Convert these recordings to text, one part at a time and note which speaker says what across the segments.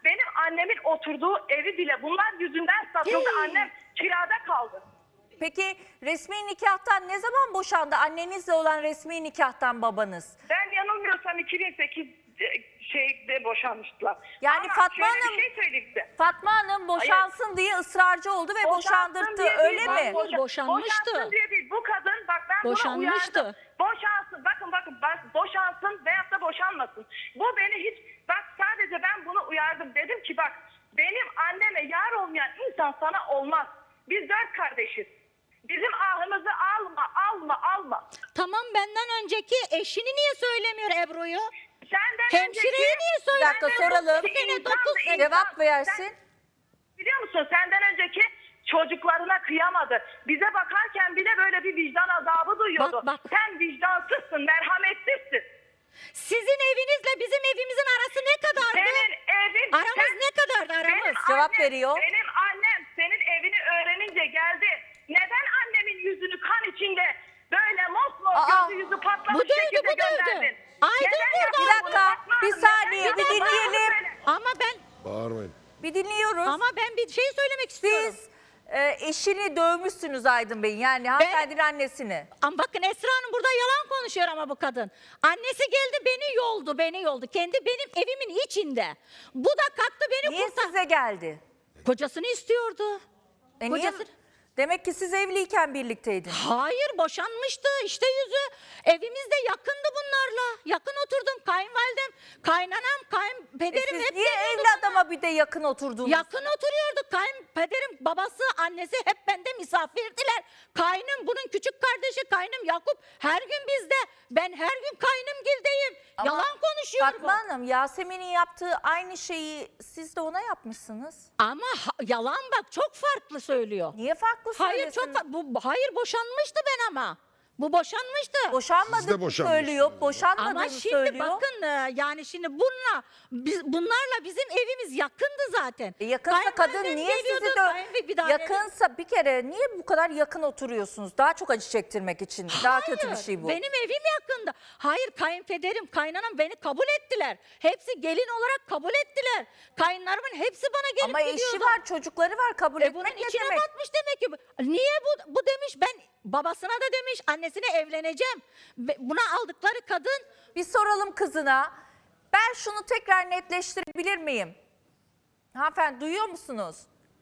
Speaker 1: benim annemin oturduğu evi bile bunlar yüzünden satıldı. Annem kirada kaldı.
Speaker 2: Peki resmi nikahtan ne zaman boşandı? Annenizle olan resmi nikahtan babanız.
Speaker 1: Ben yanılmıyorsam 2008 şeyde boşanmıştılar.
Speaker 2: Yani
Speaker 1: Ama
Speaker 2: Fatma
Speaker 1: şöyle
Speaker 2: Hanım-
Speaker 1: bir şey söyleyeyim size.
Speaker 2: Fatma Hanım boşansın diye ısrarcı oldu ve boşandırttı,
Speaker 1: diye
Speaker 2: öyle
Speaker 1: değil,
Speaker 2: mi?
Speaker 3: Boşanmıştı.
Speaker 1: Boşansın diye değil. Bu kadın bak ben buna
Speaker 3: Boşanmıştı.
Speaker 1: uyardım. Boşansın. Bakın boşansın veyahut da boşanmasın. Bu beni hiç bak sadece ben bunu uyardım. Dedim ki bak benim anneme yar olmayan insan sana olmaz. Biz 4 kardeşiz. Bizim ahımızı alma.
Speaker 3: Tamam, benden önceki eşini niye söylemiyor Ebru'yu?
Speaker 1: Senden
Speaker 3: Hemşireye niye
Speaker 2: Bir
Speaker 3: söylemiyor?
Speaker 2: dakika soralım.
Speaker 3: Sene 9 sene.
Speaker 2: Cevap versin.
Speaker 1: Biliyor musun senden önceki çocuklarına kıyamadı. Bize bakarken bile böyle bir vicdan azabı duyuyordu.
Speaker 3: Bak.
Speaker 1: Sen vicdansızsın, merhametsizsin.
Speaker 3: Sizin evinizle bizim evimizin arası ne kadardı?
Speaker 1: Senin evin...
Speaker 3: Aramız ne kadardı aramız?
Speaker 1: Benim
Speaker 2: Cevap veriyor.
Speaker 1: Benim annem senin evini öğrenince geldi. Neden annemin yüzünü kan içinde böyle mosmor
Speaker 2: Aa,
Speaker 1: gözü yüzü patlamış
Speaker 3: bu dövdü,
Speaker 1: şekilde
Speaker 3: bu dövdü.
Speaker 1: gönderdin?
Speaker 3: Aydın
Speaker 1: Neden
Speaker 3: vurdu.
Speaker 1: yaptın
Speaker 2: Bir
Speaker 1: bunu
Speaker 2: dakika,
Speaker 1: Fatma
Speaker 2: bir
Speaker 1: Hanım?
Speaker 2: saniye,
Speaker 1: Neden
Speaker 2: bir
Speaker 1: yaptın?
Speaker 2: dinleyelim.
Speaker 1: Söyle.
Speaker 3: Ama ben
Speaker 4: Bağırmayın.
Speaker 2: Bir dinliyoruz.
Speaker 3: ama ben bir şey söylemek istiyorum.
Speaker 2: Siz eşini dövmüşsünüz Aydın Bey'in, yani hanımefendinin annesini.
Speaker 3: Ama bakın Esra Hanım burada yalan konuşuyor ama bu kadın. Annesi geldi beni yoldu. Kendi benim evimin içinde. Bu da kalktı beni
Speaker 2: Niye
Speaker 3: kurtar.
Speaker 2: size geldi?
Speaker 3: Kocasını istiyordu.
Speaker 2: Niye?
Speaker 3: Kocası-
Speaker 2: Demek ki siz evliyken birlikteydiniz.
Speaker 3: Hayır, boşanmıştı işte yüzü. Evimizde yakındı bunlarla. Yakın oturdum. Kayınvalidem, kaynanam, kayınpederim
Speaker 2: Siz
Speaker 3: hep
Speaker 2: niye
Speaker 3: geliyordu
Speaker 2: evli
Speaker 3: bana.
Speaker 2: adama bir de yakın oturdunuz?
Speaker 3: Yakın oturuyorduk. Kayınpederim, babası, annesi hep bende misafirdiler. Kaynım, bunun küçük kardeşi kaynım Yakup her gün bizde. Ben her gün kaynımgildeyim.
Speaker 2: Ama
Speaker 3: Yalan konuşuyor
Speaker 2: Fatma
Speaker 3: bu.
Speaker 2: Hanım, Yasemin'in yaptığı aynı şeyi siz de ona yapmışsınız.
Speaker 3: Ama yalan bak, çok farklı söylüyor.
Speaker 2: Niye farklı
Speaker 3: Hayır,
Speaker 2: söylüyorsunuz?
Speaker 3: hayır, boşanmıştı ben ama. Bu boşanmıştı.
Speaker 4: Siz de
Speaker 2: Boşanmadığını
Speaker 4: boşanmışsınız.
Speaker 2: söylüyor, boşanmadığını
Speaker 3: Ama şimdi
Speaker 2: söylüyor.
Speaker 3: bakın yani şimdi bunlarla bizim evimiz yakındı zaten.
Speaker 2: Yakınsa kadın
Speaker 3: Kayınvalidem
Speaker 2: niye sizi
Speaker 3: geliyordu, bir daha
Speaker 2: yakınsa bir kere niye bu kadar yakın oturuyorsunuz? Daha çok acı çektirmek için. Daha kötü bir
Speaker 3: Hayır,
Speaker 2: şey bu.
Speaker 3: benim evim yakında. Hayır, kayınpederim, kaynanam beni kabul ettiler. Hepsi gelin olarak kabul ettiler. Kayınlarımın hepsi bana gelip
Speaker 2: Ama
Speaker 3: gidiyordu.
Speaker 2: eşi var, çocukları var, kabul
Speaker 3: Bunun
Speaker 2: etmek ne
Speaker 3: içine
Speaker 2: demek?
Speaker 3: batmış demek ki. Niye bu demiş, ben babasına da demiş, annesine evleneceğim. Buna aldıkları kadın.
Speaker 2: Bir soralım kızına. Ben şunu tekrar netleştirebilir miyim? Hanımefendi duyuyor musunuz?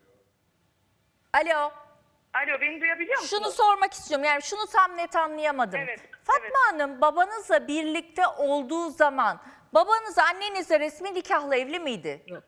Speaker 2: Alo.
Speaker 1: Alo beni duyabiliyor musunuz?
Speaker 2: Şunu sormak istiyorum. Yani şunu tam net anlayamadım.
Speaker 1: Evet,
Speaker 2: Fatma
Speaker 1: evet.
Speaker 2: Hanım babanızla birlikte olduğu zaman babanız annenizle resmi nikahla evli miydi?
Speaker 3: Yok.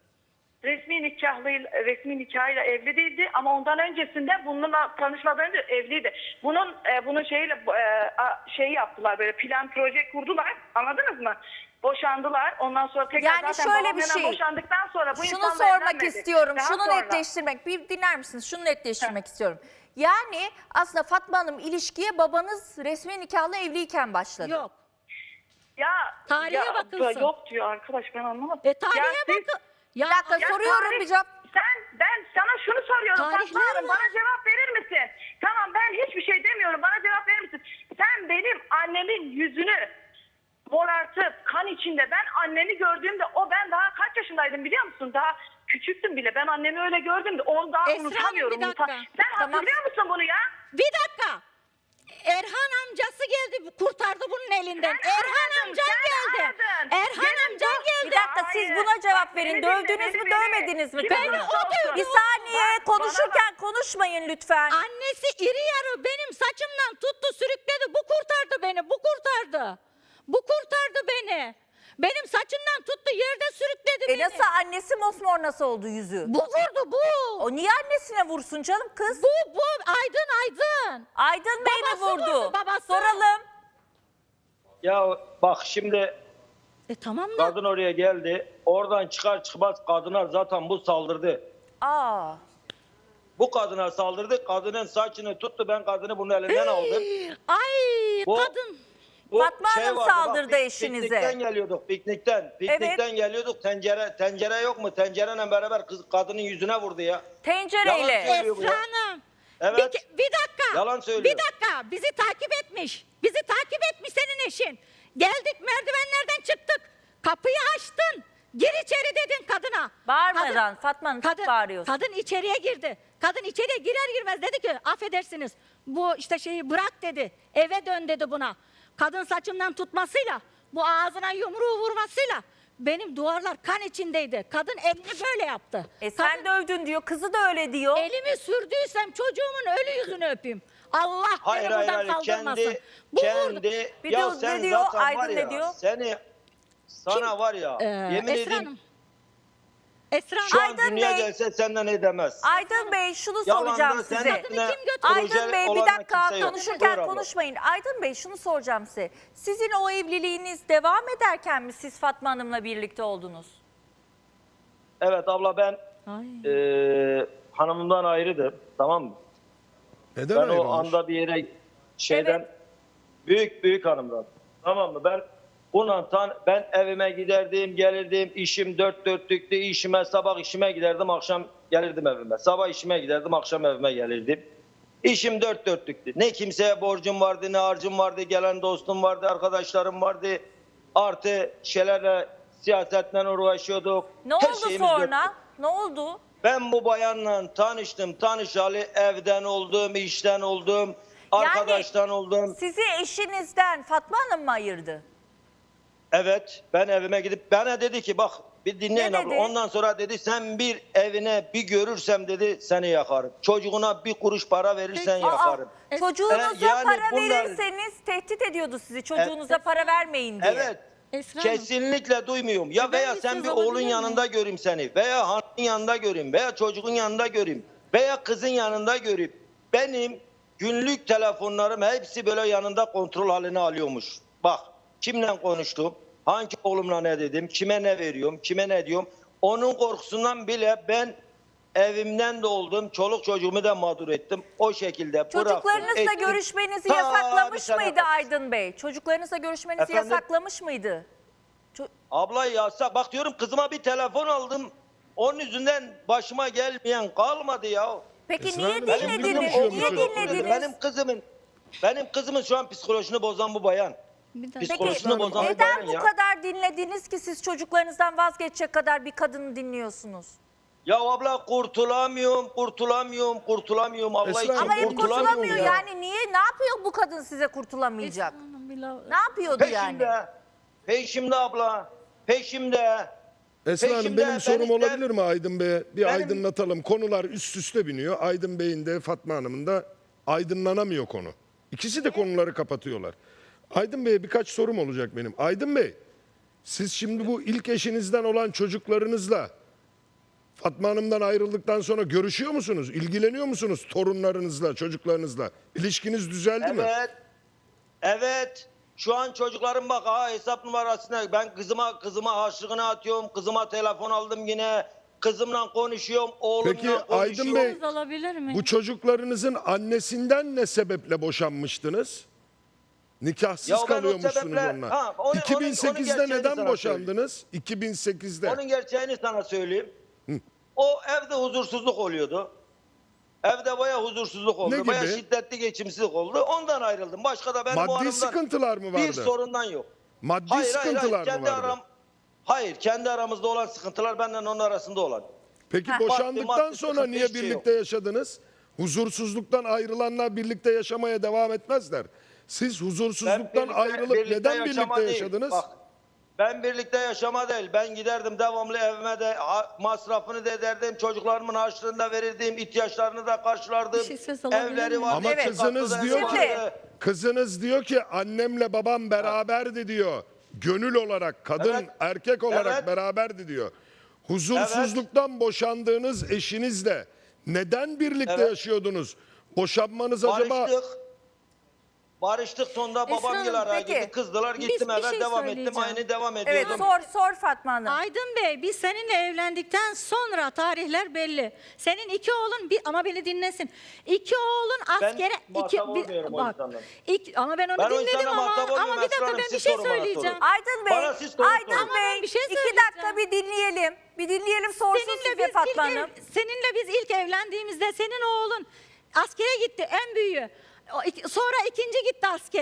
Speaker 1: Resmi nikahıyla evli değildi ama ondan öncesinde bununla tanışmadan önce evliydi. Bunun şeyi yaptılar, böyle plan proje kurdular, anladınız mı? Boşandılar, ondan sonra tekrar
Speaker 2: Yani
Speaker 1: zaten
Speaker 2: şöyle bir
Speaker 1: babamla
Speaker 2: şey.
Speaker 1: boşandıktan sonra bu
Speaker 2: Şunu
Speaker 1: insanla
Speaker 2: sormak
Speaker 1: evlenmedi.
Speaker 2: istiyorum.
Speaker 1: Daha
Speaker 2: Şunu
Speaker 1: sonra.
Speaker 2: netleştirmek. Bir dinler misiniz? Şunu netleştirmek istiyorum. Yani aslında Fatma Hanım ilişkiye babanız resmi nikahla evliyken başladı.
Speaker 3: Yok.
Speaker 1: Ya,
Speaker 3: Tarihe bakılsın.
Speaker 1: Yok diyor arkadaş, ben anlamadım.
Speaker 3: Tarihe
Speaker 1: Ya siz-
Speaker 3: bakın. Ya,
Speaker 2: Bir dakika soruyorum
Speaker 1: tarih-
Speaker 2: bir cevap.
Speaker 1: Ben sana şunu soruyorum
Speaker 3: Tarihler
Speaker 1: Fatma Hanım,
Speaker 3: mi?
Speaker 1: bana cevap verir misin? Tamam, ben hiçbir şey demiyorum, bana cevap verir misin? Sen benim annemin yüzünü morartıp kan içinde, ben anneni gördüğümde ben daha kaç yaşındaydım biliyor musun? Daha küçüktüm bile, ben annemi öyle gördüğümde onu daha
Speaker 3: Esra Hanım,
Speaker 1: unutamıyorum.
Speaker 3: bir dakika.
Speaker 1: Sen
Speaker 2: Tamam.
Speaker 1: hatırlıyor musun bunu ya?
Speaker 3: Bir dakika. Erhan amcası geldi, kurtardı bunun elinden.
Speaker 1: Sen
Speaker 3: Erhan
Speaker 1: aradın,
Speaker 3: amcan
Speaker 1: sen
Speaker 3: geldi.
Speaker 1: aradın.
Speaker 3: Erhan
Speaker 1: Senin
Speaker 3: amcan
Speaker 1: bu-
Speaker 3: geldi.
Speaker 2: Bir dakika siz
Speaker 1: Hayır.
Speaker 2: buna cevap
Speaker 1: Bak,
Speaker 2: verin.
Speaker 1: beni dinle,
Speaker 2: Dövdünüz mü
Speaker 1: beni.
Speaker 2: dövmediniz mi
Speaker 1: Kime
Speaker 2: kadını?
Speaker 1: olursa olsun.
Speaker 2: Bir saniye
Speaker 1: Bak, bana
Speaker 2: konuşurken konuşmayın lütfen.
Speaker 3: Annesi iri yarı benim saçımdan tuttu, sürükledi. Bu kurtardı beni, bu kurtardı. Bu kurtardı beni. Benim saçımdan tuttu, yerde sürükledi beni.
Speaker 2: Nasıl annesi mosmor nasıl oldu yüzü?
Speaker 3: Bu vurdu, bu.
Speaker 2: O niye annesine vursun canım kız?
Speaker 3: Bu Aydın.
Speaker 2: Aydın Bey mi
Speaker 3: Babası
Speaker 2: vurdu?
Speaker 3: vurdu, babası.
Speaker 2: Soralım.
Speaker 5: Ya bak şimdi
Speaker 3: Tamam da.
Speaker 5: kadın oraya geldi. Oradan çıkar çıkmaz kadına zaten bu saldırdı.
Speaker 2: Aa.
Speaker 5: Bu kadına saldırdı. Kadının saçını tuttu. Ben kadını bunun elinden aldım.
Speaker 3: Ay
Speaker 5: Bu-
Speaker 3: kadın.
Speaker 5: Bu
Speaker 2: Fatma Hanım
Speaker 5: vardı,
Speaker 2: saldırdı eşinize.
Speaker 5: Piknikten geliyorduk. Piknikten geliyorduk. Tencere yok mu? Tencereyle beraber kadının yüzüne vurdu ya.
Speaker 2: Tencereyle.
Speaker 5: Yalan söylüyor bu ya.
Speaker 3: Esra Hanım.
Speaker 5: Evet.
Speaker 3: Bir dakika.
Speaker 5: Yalan söylüyor.
Speaker 3: Bir dakika. Bizi takip etmiş. Bizi takip etmiş senin eşin. Geldik, merdivenlerden çıktık. Kapıyı açtın. Gir içeri dedin kadına.
Speaker 2: Bağırmadan Fatma Hanım, çok bağırıyorsun.
Speaker 3: Kadın içeriye girdi. Kadın içeriye girer girmez dedi ki affedersiniz bu işte şeyi bırak dedi. Eve dön dedi buna. Kadın saçımdan tutmasıyla bu ağzına yumruğu vurmasıyla benim duvarlar kan içindeydi. Kadın elini böyle yaptı.
Speaker 2: Sen dövdün diyor, kızı da öyle diyor.
Speaker 3: Elimi sürdüysem çocuğumun ölü yüzünü öpeyim. Allah
Speaker 5: Hayır
Speaker 3: beni
Speaker 5: hayır
Speaker 3: buradan
Speaker 5: hayır.
Speaker 3: kaldırmasın. Bu vurdu.
Speaker 2: Bir
Speaker 5: Ya
Speaker 2: de
Speaker 5: sen
Speaker 2: ne diyor,
Speaker 5: zaten var
Speaker 2: Aydın
Speaker 5: ya.
Speaker 2: ne diyor?
Speaker 5: Sana var ya. Yemin
Speaker 3: Esra
Speaker 5: edeyim.
Speaker 3: Hanım. Esra Hanım.
Speaker 5: Şu an
Speaker 2: Aydın
Speaker 5: dünya
Speaker 2: Bey.
Speaker 5: gelse senden edemez.
Speaker 2: Aydın Bey, şunu
Speaker 5: Yalandan
Speaker 2: soracağım
Speaker 5: sen
Speaker 2: size.
Speaker 5: üstüne
Speaker 3: Aydın
Speaker 2: Aydın Bey, bir
Speaker 5: olan
Speaker 2: dakika
Speaker 5: kimse yok.
Speaker 2: konuşurken
Speaker 5: Buyur abla.
Speaker 2: konuşmayın. Aydın Bey, şunu soracağım size. Sizin o evliliğiniz devam ederken mi siz Fatma Hanım'la birlikte oldunuz?
Speaker 5: Evet abla ben
Speaker 3: Ay.
Speaker 5: hanımımdan ayrıydım. Tamam mı?
Speaker 4: Neden
Speaker 5: Ben
Speaker 4: ayrılmış?
Speaker 5: o anda bir yere şeyden
Speaker 2: Evet.
Speaker 5: büyük hanımdan. Tamam mı? Ben evime giderdim, gelirdim. İşim dört dörtlüktü. Sabah işime giderdim, akşam gelirdim evime. Sabah işime giderdim, akşam evime gelirdim. İşim dört dörtlüktü. Ne kimseye borcum vardı, ne harcım vardı. Gelen dostum vardı, arkadaşlarım vardı. Artı şeylerle, siyasetle uğraşıyorduk.
Speaker 2: Ne
Speaker 5: Her
Speaker 2: oldu
Speaker 5: şeyimiz
Speaker 2: sonra?
Speaker 5: dörtlük.
Speaker 2: Ne oldu?
Speaker 5: Ben bu bayanla tanıştım. Tanışalı evden oldum, işten oldum, arkadaştan oldum.
Speaker 2: Sizi eşinizden Fatma Hanım mı ayırdı?
Speaker 5: Evet, ben evime gidip bana dedi ki bak bir dinleyin
Speaker 2: Ne
Speaker 5: abla.
Speaker 2: dedi?
Speaker 5: Ondan sonra dedi sen bir evine bir görürsem dedi seni yakarım. Çocuğuna bir kuruş para verirsen yakarım.
Speaker 2: Çocuğunuza
Speaker 5: Yani
Speaker 2: para
Speaker 5: bunlar-
Speaker 2: verirseniz tehdit ediyordu sizi. Çocuğunuza para vermeyin diye.
Speaker 5: Evet.
Speaker 3: Esra Hanım.
Speaker 5: Kesinlikle duymuyorum. Ya
Speaker 3: Ben
Speaker 5: veya
Speaker 3: bir
Speaker 5: sen
Speaker 3: söz
Speaker 5: bir
Speaker 3: alabilir
Speaker 5: oğlun
Speaker 3: miyim?
Speaker 5: yanında göreyim seni. Veya hanımın yanında göreyim. Veya çocuğun yanında göreyim. Veya kızın yanında göreyim. Benim günlük telefonlarım hepsi böyle yanında kontrol haline alıyormuş. Bak kimle konuştum. Hangi oğlumla ne dedim. Kime ne veriyorum. Kime ne diyorum. Onun korkusundan bile ben evimden de oldum. Çoluk çocuğumu da mağdur ettim. O şekilde bıraktım.
Speaker 2: Çocuklarınızla
Speaker 5: ettim.
Speaker 2: görüşmenizi
Speaker 5: Ta
Speaker 2: yasaklamış
Speaker 5: bir sene
Speaker 2: mıydı
Speaker 5: kadar.
Speaker 2: Aydın Bey? Çocuklarınızla görüşmenizi
Speaker 5: Efendim?
Speaker 2: yasaklamış mıydı?
Speaker 5: Abla yasak. Bak diyorum kızıma bir telefon aldım. Onun yüzünden başıma gelmeyen kalmadı ya.
Speaker 2: Peki
Speaker 4: Esra
Speaker 2: niye
Speaker 4: Hanım,
Speaker 5: Benim
Speaker 4: şimdi
Speaker 2: dinlediniz?
Speaker 4: konuşuyor
Speaker 2: Niye
Speaker 4: musunuz?
Speaker 2: dinlediniz?
Speaker 5: Benim kızımın şu an psikolojisini bozan bu bayan.
Speaker 3: Bir dakika.
Speaker 2: Peki
Speaker 5: Psikolojisini bozan bu
Speaker 2: neden
Speaker 5: bayan
Speaker 2: bu
Speaker 5: ya.
Speaker 2: kadar dinlediniz ki siz çocuklarınızdan vazgeçecek kadar bir kadını dinliyorsunuz?
Speaker 5: Ya abla kurtulamıyorum. Allah
Speaker 4: Esra
Speaker 5: için
Speaker 4: Hanım,
Speaker 2: Ama hep
Speaker 5: kurtulamıyorum
Speaker 2: kurtulamıyor
Speaker 5: ya.
Speaker 2: yani niye? Ne yapıyor bu kadın size kurtulamayacak?
Speaker 3: Esra Hanım, bir la-
Speaker 2: Ne yapıyordu yani?
Speaker 5: Peşimde abla. Peşimde.
Speaker 4: Esra Hanım
Speaker 5: Peşimde,
Speaker 4: benim sorum
Speaker 5: ben işte-
Speaker 4: olabilir mi Aydın Bey'e? Bir
Speaker 5: Benim-
Speaker 4: aydınlatalım. Konular üst üste biniyor. Aydın Bey'in de Fatma Hanım'ın da aydınlanamıyor konu. İkisi de konuları kapatıyorlar. Aydın Bey'e birkaç sorum olacak benim. Aydın Bey, siz şimdi bu ilk eşinizden olan çocuklarınızla Fatma Hanım'dan ayrıldıktan sonra görüşüyor musunuz? İlgileniyor musunuz torunlarınızla, çocuklarınızla? İlişkiniz düzeldi mi?
Speaker 5: Evet. Şu an çocuklarım bak hesap numarasına ben kızıma harçlığını atıyorum. Kızıma telefon aldım yine. Kızımla konuşuyorum. Oğlumla
Speaker 4: Peki,
Speaker 5: konuşuyorum.
Speaker 4: Aydın Bey,
Speaker 3: Söz alabilir miyim?
Speaker 4: Bu çocuklarınızın annesinden ne sebeple boşanmıştınız? Nikahsız
Speaker 5: Ya ben o
Speaker 4: kalıyormuşsunuz
Speaker 5: sebeple-
Speaker 4: onunla.
Speaker 5: Ha, onun
Speaker 4: 2008'de
Speaker 5: gerçeğini
Speaker 4: neden
Speaker 5: sana
Speaker 4: boşandınız? 2008'de.
Speaker 5: Onun gerçeğini sana söyleyeyim. O evde huzursuzluk oluyordu. Evde bayağı huzursuzluk oldu.
Speaker 4: Ne
Speaker 5: Bayağı
Speaker 4: gibi?
Speaker 5: şiddetli geçimsizlik oldu. Ondan ayrıldım. Başka da benim o
Speaker 4: Maddi
Speaker 5: hanımdan
Speaker 4: sıkıntılar mı
Speaker 5: bir
Speaker 4: vardı?
Speaker 5: sorundan yok.
Speaker 4: Maddi sıkıntılar mı vardı?
Speaker 5: Hayır, kendi aramızda olan sıkıntılar benden onun arasında olan.
Speaker 4: Peki
Speaker 2: Ha.
Speaker 4: boşandıktan
Speaker 5: Maddi
Speaker 4: sonra
Speaker 5: sıkıntı
Speaker 4: niye
Speaker 5: hiçbir şey
Speaker 4: birlikte yaşadınız? Huzursuzluktan ayrılanlar birlikte yaşamaya devam etmezler. Siz huzursuzluktan ayrılıp neden
Speaker 5: yaşama
Speaker 4: birlikte
Speaker 5: değil.
Speaker 4: yaşadınız?
Speaker 5: Bak, ben birlikte yaşama değil. Ben giderdim devamlı evime de masrafını da ederdim. Çocuklarımın harçlığını da verirdim. İhtiyaçlarını da karşılardım.
Speaker 3: Bir şey söz alabilir
Speaker 5: Evleri
Speaker 3: miyim?
Speaker 5: vardı.
Speaker 4: Ama
Speaker 2: Evet.
Speaker 4: kızınız diyor ki,
Speaker 2: Şimdi-
Speaker 4: kızınız diyor ki annemle babam beraberdi diyor. Gönül olarak, kadın
Speaker 5: Evet.
Speaker 4: erkek olarak
Speaker 5: Evet.
Speaker 4: beraberdi diyor. Huzursuzluktan boşandığınız eşinizle neden birlikte
Speaker 5: Evet.
Speaker 4: yaşıyordunuz? Boşanmanız acaba...
Speaker 5: Barıştık sonunda
Speaker 3: Esra
Speaker 5: babam
Speaker 3: Hanım,
Speaker 5: yıl araya
Speaker 2: peki.
Speaker 5: gitti. Kızdılar
Speaker 3: Biz
Speaker 5: gittim
Speaker 3: bir
Speaker 5: eve
Speaker 3: şey
Speaker 5: devam ettim.
Speaker 3: söyleyeceğim.
Speaker 5: Aynı devam
Speaker 2: Evet
Speaker 5: ediyordum.
Speaker 2: sor Fatma Hanım.
Speaker 3: Aydın Bey biz seninle evlendikten sonra tarihler belli. Senin iki oğlun ama beni dinlesin. İki oğlun askere
Speaker 5: muhatap olmuyorum o insanla.
Speaker 3: ama ben onu
Speaker 5: Ben o
Speaker 3: dinledim
Speaker 5: insanla muhatap
Speaker 3: ama
Speaker 5: olmuyorum.
Speaker 3: bir dakika
Speaker 5: Esra Hanım,
Speaker 3: ben bir
Speaker 5: siz
Speaker 3: şey
Speaker 5: sorun bana,
Speaker 3: söyleyeceğim.
Speaker 5: sorun.
Speaker 2: Aydın Bey,
Speaker 5: Bana siz soru
Speaker 2: Aydın
Speaker 5: sorun.
Speaker 2: Bey
Speaker 3: Ben bir şey
Speaker 2: 2
Speaker 3: söyleyeceğim.
Speaker 2: dakika bir dinleyelim. Bir dinleyelim sorsun size Fatma Hanım.
Speaker 3: Seninle biz ilk evlendiğimizde senin oğlun askere gitti en büyüğü. Sonra ikinci gitti askere.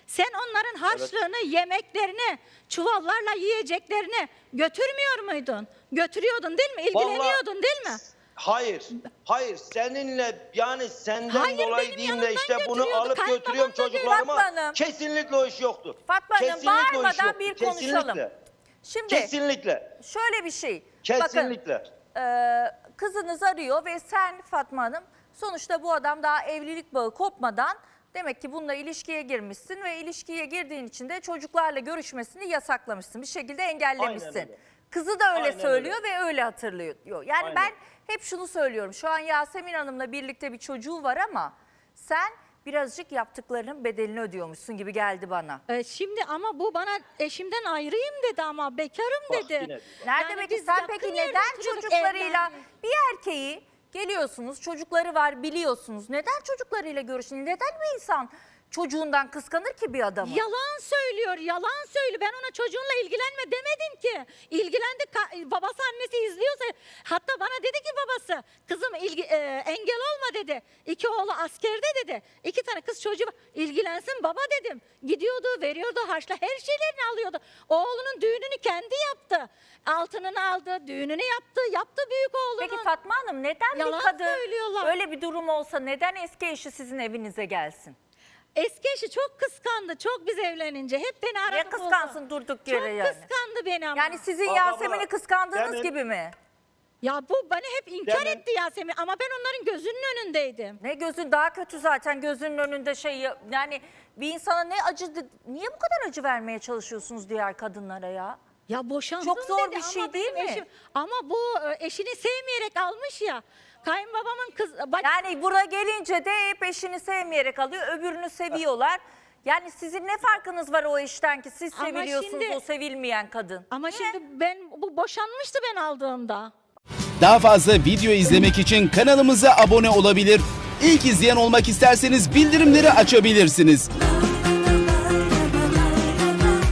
Speaker 3: Sen onların harçlığını, yemeklerini, çuvallarla yiyeceklerini götürmüyor muydun? Götürüyordun değil mi? İlgileniyordun değil mi?
Speaker 5: Hayır. Hayır. Seninle yani senden
Speaker 3: Hayır,
Speaker 5: dolayı
Speaker 3: benim
Speaker 5: değil de
Speaker 3: yanımdan
Speaker 5: işte bunu
Speaker 3: götürüyordu.
Speaker 5: alıp
Speaker 3: Kayınbabam
Speaker 5: götürüyorum
Speaker 3: da değil.
Speaker 5: çocuklarıma.
Speaker 2: Fatma Hanım.
Speaker 5: Kesinlikle o iş yoktu.
Speaker 2: Fatma Hanım,
Speaker 5: Kesinlikle o iş
Speaker 2: bağırmadan
Speaker 5: yoktu.
Speaker 2: bir konuşalım.
Speaker 5: Kesinlikle.
Speaker 2: Şimdi
Speaker 5: Kesinlikle.
Speaker 2: şöyle bir şey.
Speaker 5: Kesinlikle.
Speaker 2: Bakın, kızınız arıyor ve sen Fatma Hanım sonuçta bu adam daha evlilik bağı kopmadan demek ki bununla ilişkiye girmişsin ve ilişkiye girdiğin için de çocuklarla görüşmesini yasaklamışsın. Bir şekilde engellemişsin.
Speaker 5: Aynen öyle.
Speaker 2: Kızı da öyle
Speaker 5: Aynen
Speaker 2: söylüyor ve öyle hatırlıyor. Yani
Speaker 5: Aynen.
Speaker 2: ben hep şunu söylüyorum. Şu an Yasemin Hanım'la birlikte bir çocuğu var ama sen birazcık yaptıklarının bedelini ödüyormuşsun gibi geldi bana.
Speaker 3: Şimdi ama bu bana eşimden ayrıyım dedi ama bekarım
Speaker 5: Bak
Speaker 3: dedi.
Speaker 5: yine.
Speaker 2: Nerede
Speaker 3: Yani
Speaker 2: peki
Speaker 3: biz
Speaker 2: sen
Speaker 3: yakın
Speaker 2: peki
Speaker 3: yerde
Speaker 2: neden
Speaker 3: oturuyorduk,
Speaker 2: çocuklarıyla
Speaker 3: evlendik.
Speaker 2: bir erkeği geliyorsunuz çocukları var biliyorsunuz neden çocuklarıyla görüşün neden bir insan çocuğundan kıskanır ki bir adamı?
Speaker 3: Yalan söylüyor, yalan söylüyor. Ben ona çocuğunla ilgilenme demedim ki. İlgilendi, babası annesi izliyorsa. Hatta bana dedi ki babası, kızım engel olma dedi. 2 oğlu askerde dedi. 2 tane kız çocuğu var. İlgilensin baba dedim. Gidiyordu, veriyordu harçla, her şeylerini alıyordu. Oğlunun düğününü kendi yaptı. Altınını aldı, düğününü yaptı büyük oğlunun.
Speaker 2: Peki Fatma Hanım neden
Speaker 3: Yalan
Speaker 2: bir kadın
Speaker 3: söylüyorlar.
Speaker 2: öyle bir durum olsa neden eski eşi sizin evinize gelsin?
Speaker 3: Eski eşi çok kıskandı, çok biz evlenince. Hep beni aradı.
Speaker 2: Niye
Speaker 3: buldu.
Speaker 2: kıskansın durduk yere
Speaker 3: Çok
Speaker 2: yani?
Speaker 3: kıskandı beni ama.
Speaker 2: Yani sizin
Speaker 5: Abla,
Speaker 2: Yasemin'i kıskandığınız
Speaker 5: demin-
Speaker 2: gibi mi?
Speaker 3: Ya bu beni hep inkar
Speaker 5: Demin-
Speaker 3: etti Yasemin ama ben onların gözünün önündeydim.
Speaker 2: Ne gözün daha kötü zaten gözünün önünde yani bir insana ne acı niye bu kadar acı vermeye çalışıyorsunuz diğer kadınlara ya?
Speaker 3: Ya boşandım
Speaker 2: Çok zor
Speaker 3: dedi
Speaker 2: bir şey
Speaker 3: ama
Speaker 2: değil
Speaker 3: benim
Speaker 2: mi?
Speaker 3: Ama bu eşini sevmeyerek almış ya. Kayınbabamın kız...
Speaker 2: Yani buraya gelince de hep eşini sevmeyerek alıyor, öbürünü seviyorlar. Yani sizin ne farkınız var o eşten ki siz
Speaker 3: Ama
Speaker 2: seviliyorsunuz
Speaker 3: şimdi-
Speaker 2: o sevilmeyen kadın?
Speaker 3: Ama şimdi bu boşanmıştı ben aldığımda.
Speaker 6: Daha fazla video izlemek için kanalımıza abone olabilir. İlk izleyen olmak isterseniz bildirimleri açabilirsiniz.